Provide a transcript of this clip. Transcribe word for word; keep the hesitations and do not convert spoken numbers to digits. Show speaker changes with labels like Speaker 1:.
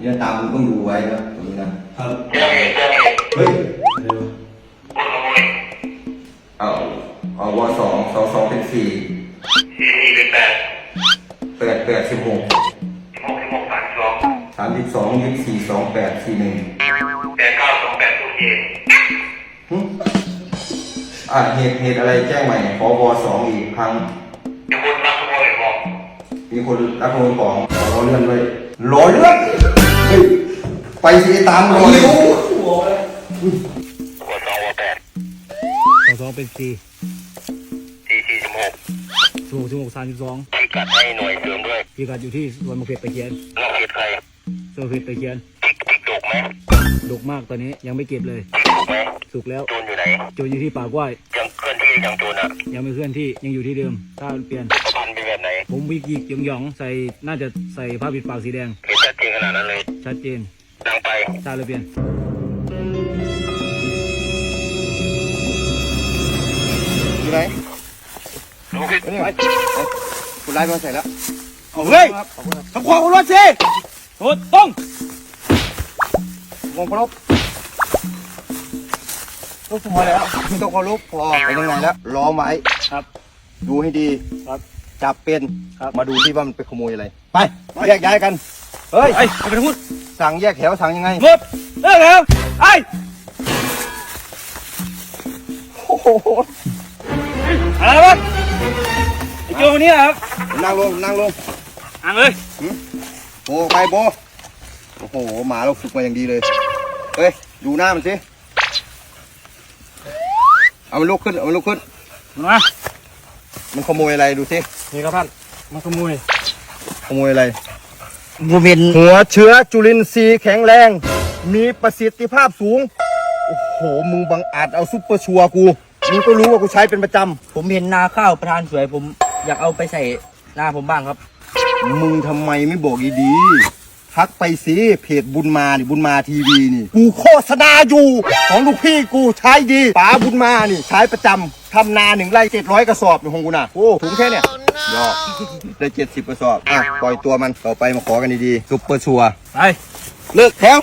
Speaker 1: เนี่ยตามมึงต้องดูไว้นะตรงนี้นะครับเฮ้ยเอาเอาวสองสองสองเป็นสี่สี่เป็นแปดแปดแปดสิบหกหกสิบหกสามสองสามสิบสองยี่สิบสี่สองแปดสี่หนึ่งแปดเก้าสองแปดศูนย์เจ็ดอ่าเหตุเหตุอะไรแจ้งใหม่ขอวสองอีกครั้งมีคนรับขโมยของมีคนรับขโมยของขอเลื่อนไว้รอเลื่อนเฮ้ยไปสิตามรอเลยหัวเลยวสองวแปด
Speaker 2: สองสองเป็นสี่
Speaker 3: สี่สี่สิบหก
Speaker 2: สิบหกสิบหกสามสิบสอง
Speaker 3: พิกัดให้หน่วยเสริมด้วย
Speaker 2: พิกัดอยู่ที่สวนมะเขือตะเคียน
Speaker 3: นอกเขตใคร
Speaker 2: สวนมะเขือตะเคียน
Speaker 3: พิกพิกดกไหม
Speaker 2: ดกมากตอนนี้ยังไม่เก็บเลย
Speaker 3: สุกไหม
Speaker 2: สุกแล้ว
Speaker 3: โจรอยู่ไหน
Speaker 2: โจรอยู่ที่ป่ากล้วย
Speaker 3: ยังเคลื่อนที่ยังโจรอ่ะ
Speaker 2: ยังไม่เคลื่อนที่ยังอยู่ที่เดิมถ้าเปลี่ยน
Speaker 3: พันเป็นแบบไหน
Speaker 2: ผมวิกิกหยองหยองใส่น่าจะใส่ผ้าปิดปากสีแดง
Speaker 3: เห็นชัดเจนขนาดนั้นเลย
Speaker 2: ชัดเจน
Speaker 3: ดังไป
Speaker 2: ถ้าเลยเปลี่ยน
Speaker 1: อยู่ไหน
Speaker 3: โอเค
Speaker 1: ไปคุณไล่มาใส่แล้ว
Speaker 2: เอาเฮ้ยทำความเคารพสิถูกต้อง
Speaker 1: มองเคารพลูกพอแล้วไม่ต้องเคารพพอไปยังไงแล้วล้อมไว้
Speaker 2: ครับ
Speaker 1: ดูให้ดี
Speaker 2: ครับ
Speaker 1: จับเป็น
Speaker 2: ครับ
Speaker 1: มาดูที่ว่ามันไปขโมยอะไรไปแยกย้ายกันเฮ้ย
Speaker 2: ไอ้ไปพูด
Speaker 1: สั่งแยกแถวสั่งยังไง
Speaker 2: หมดเลิกแล้วไอ้
Speaker 1: โอ้โห
Speaker 2: อะไรวะไอ้โจคนนี้ครับ
Speaker 1: นั่งลงนั่งลง
Speaker 2: อ่างเลย
Speaker 1: โบไปโบโอ้โหหมาเราฝึกมาอย่างดีเลยเฮ้ยดูหน้ามันสิเอามันลุกขึ้นเอามันลุกขึ้น
Speaker 2: มา
Speaker 1: มันขโมยอะไรดูสิ
Speaker 2: นี่ครับท่านมันขโมย
Speaker 1: ขโมยอะไร
Speaker 2: บริเวณ
Speaker 1: หัวเชื้อจุลินทรีย์แข็งแรงมีประสิทธิภาพสูงโอ้โหมึงบังอาจเอาซุปเปอร์ชัวร์กูมึงก็รู้ว่ากูใช้เป็นประจำ
Speaker 2: ผมเห็นนาข้าวประธานสวยผมอยากเอาไปใส่หน้าผมบ้างครับ
Speaker 1: มึงทำไมไม่บอกดีๆทักไปสิเพจบุญมานี่บุญมาทีวีนี่กูโฆษณาอยู่ของลูกพี่กูใช้ดีป๋าบุญมานี่ใช้ประจำทำนาหนึ่งไร่เจ็ดร้อยกระสอบอยู่ของกูนะโอ้ถุงแค่เนี่ยยอดได้เจ็ดสิบกระสอบอ่ะปล่อยตัวมันต่อไปมาขอกันดีๆซุปเปอร์ชัวร์
Speaker 2: ไป
Speaker 1: เลิกแถว